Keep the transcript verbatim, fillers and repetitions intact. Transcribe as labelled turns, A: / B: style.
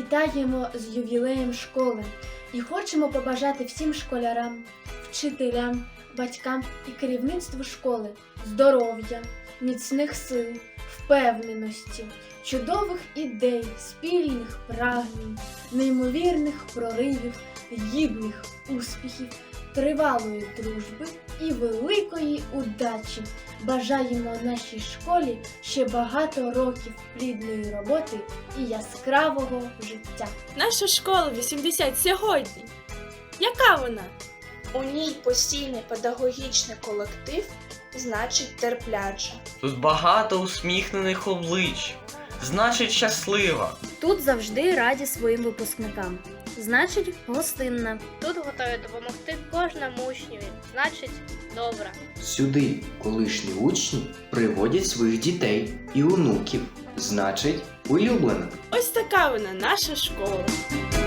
A: Вітаємо з ювілеєм школи і хочемо побажати всім школярам, вчителям, батькам і керівництву школи здоров'я, міцних сил, впевненості, чудових ідей, спільних прагнень, неймовірних проривів, гідних успіхів, тривалої дружби і великої удачі. Бажаємо нашій школі ще багато років плідної роботи і яскравого життя.
B: Наша школа вісімдесят сьогодні. Яка вона?
C: У ній постійний педагогічний колектив, значить терпляча.
D: Тут багато усміхнених облич, значить щаслива.
E: Тут завжди раді своїм випускникам. Значить, гостинна.
F: Тут готові допомогти кожному учневі, значить, добра.
G: Сюди колишні учні приводять своїх дітей і онуків, значить, улюблена.
B: Ось така вона, наша школа.